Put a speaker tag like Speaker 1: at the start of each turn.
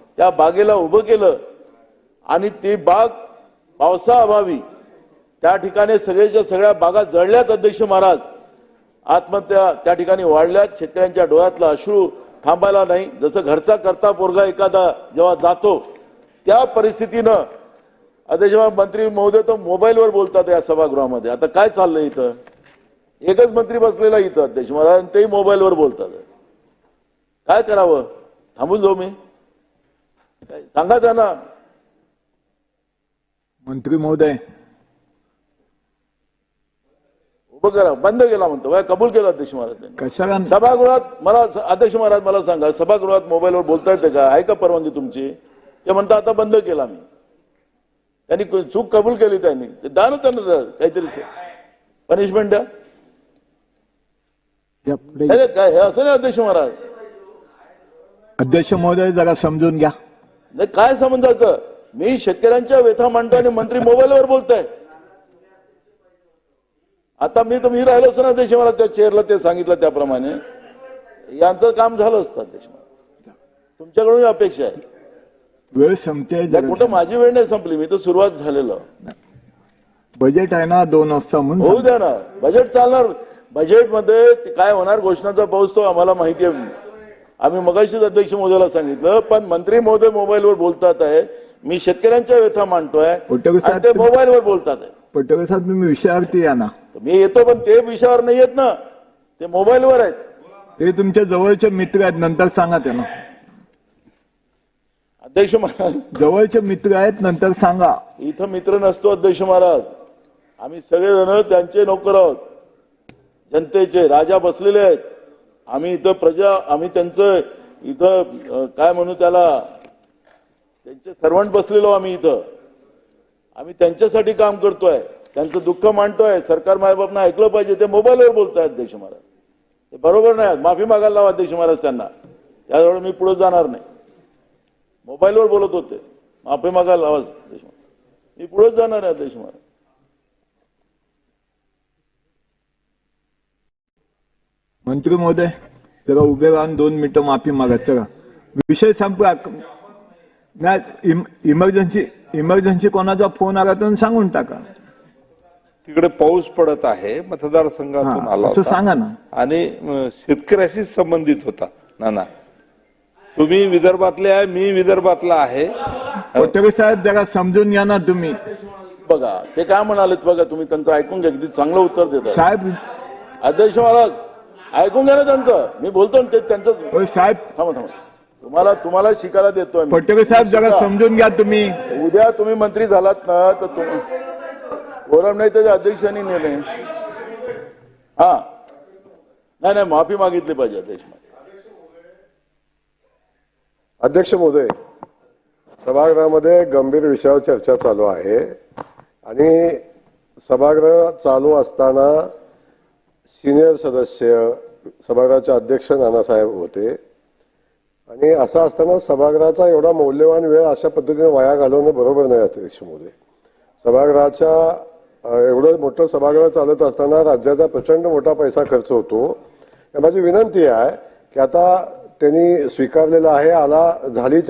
Speaker 1: त्या बागेला उभं केलं आणि ती बाग पावसाअभावी त्या ठिकाणी सगळ्याच्या सगळ्या बागा जळल्यात अध्यक्ष महाराज. आत्महत्या त्या ठिकाणी वाढल्यात. शेतकऱ्यांच्या डोळ्यातला अश्रू थांबायला नाही. जसं घरचा करता पोरगा एखादा जेव्हा जातो त्या परिस्थितीनं अध्यक्ष मंत्री महोदय तो मोबाईलवर बोलतात या सभागृहामध्ये. आता काय चाललंय इथं? एकच मंत्री बसलेला इथं अध्यक्ष महाराज, तेही मोबाईलवर बोलतात. काय करावं? थांबून जाऊ मी? सांगा त्यांना.
Speaker 2: मंत्री महोदय
Speaker 1: उभं करा. बंद केला म्हणतो. कबूल केलं अध्यक्ष महाराज.
Speaker 2: कशाला
Speaker 1: सभागृहात मला अध्यक्ष महाराज मला सांगा, सभागृहात मोबाईलवर बोलता येते का? आहे का परवानगी तुमची? ते म्हणतात आता बंद केला मी. त्यांनी चूक कबूल केली. त्यांनी द्या ना त्यांना काहीतरी पनिशमेंट द्या. काय हे असं नाही अध्यक्ष महाराज.
Speaker 2: अध्यक्ष महोदय जरा समजून घ्या.
Speaker 1: नाही काय समजायचं? मी शेतकऱ्यांच्या व्यथा मांडतो आणि मंत्री मोबाईलवर बोलताय. आता मी राहिलोच ना अध्यक्ष महाराज त्या चेअरला. ते सांगितलं त्याप्रमाणे यांचं काम झालं असतं अध्यक्ष महाराज. तुमच्याकडून अपेक्षा आहे.
Speaker 2: वेळ संपते.
Speaker 1: कुठं माझी वेळ नाही संपली. मी तर सुरुवात झालेलं.
Speaker 2: बजेट आहे ना 2 वाजता म्हणून
Speaker 1: होऊ द्या ना. बजेट चालणार. बजेटमध्ये काय होणार घोषणाचा पाऊस तो आम्हाला माहिती आहे. आम्ही मगाशीच अध्यक्ष महोदयाला सांगितलं. पण मंत्री महोदय मोबाईलवर बोलतात आहे. मी शेतकऱ्यांच्या व्यथा मांडतोय आणि ते मोबाईलवर बोलतात आहे.
Speaker 2: पटोले साहेब तुम्ही विषयावरती या ना.
Speaker 1: मी येतो पण ते विषयावर नाही येत ना. ते मोबाईलवर आहेत.
Speaker 2: ते तुमच्या जवळचे मित्र आहेत. नंतर सांगा त्यांना.
Speaker 1: अध्यक्ष महाराज
Speaker 2: जवळचे मित्र आहेत. नंतर सांगा.
Speaker 1: इथं मित्र नसतो अध्यक्ष महाराज. आम्ही सगळेजण त्यांचे नोकर आहोत. जनतेचे राजा बसलेले आहेत. आम्ही इथं प्रजा. आम्ही त्यांचं इथं काय म्हणू त्याला त्यांचे सर्वंट बसलेलो आम्ही इथं. आम्ही त्यांच्यासाठी काम करतोय. त्यांचं दुःख मांडतोय. सरकार मायबापना ऐकलं पाहिजे. ते मोबाईलवर बोलताय अध्यक्ष महाराज. ते बरोबर नाही. माफी मागायला लावा अध्यक्ष महाराज त्यांना. त्याजवळ मी पुढे जाणार नाही. मोबाईलवर बोलत होते. माफी मागायला लावा अध्यक्ष महाराज. मी पुढेच जाणार आहे अध्यक्ष महाराज.
Speaker 2: मंत्री महोदय जरा उभे राहून 2 मिनिटं माफी मागा. चला विषय संपला. इमर्जन्सी कोणाचा फोन आला तर सांगून टाका.
Speaker 3: तिकडे पाऊस पडत आहे. मतदारसंघातून आला
Speaker 2: असं सांगा ना.
Speaker 3: आणि शेतकऱ्याशी संबंधित होता. ना तुम्ही विदर्भातले आहे. मी विदर्भातला आहे.
Speaker 2: पटोले साहेब जरा समजून घ्या ना तुम्ही.
Speaker 1: बघा ते काय म्हणालेत बघा. तुम्ही त्यांचं ऐकून घ्या. किती चांगलं उत्तर देतात
Speaker 2: साहेब.
Speaker 1: अध्यक्ष महाराज ऐकून घ्या ना त्यांचं. मी बोलतो ते त्यांचं.
Speaker 2: साहेब
Speaker 1: थांबा. तुम्हाला शिकायला देतोय.
Speaker 2: पटोले साहेब जरा समजून घ्या तुम्ही.
Speaker 1: उद्या तुम्ही मंत्री झालात ना तर फोरम नाही त्याच्या अध्यक्षांनी निर्णय. हा नाही माफी मागितली पाहिजे अध्यक्ष.
Speaker 4: अध्यक्ष महोदय सभागृहामध्ये गंभीर विषयावर चर्चा चालू आहे आणि सभागृह चालू असताना सिनियर सदस्य सभागृहाचे अध्यक्ष नानासाहेब होते आणि असं असताना सभागृहाचा एवढा मौल्यवान वेळ अशा पद्धतीने वाया घालवणं बरोबर नाही अध्यक्ष महोदय. सभागृहाच्या एवढं मोठं सभागृह चालत असताना राज्याचा प्रचंड मोठा पैसा खर्च होतो. माझी विनंती आहे की आता त्यांनी स्वीकारलेला आहे. झाली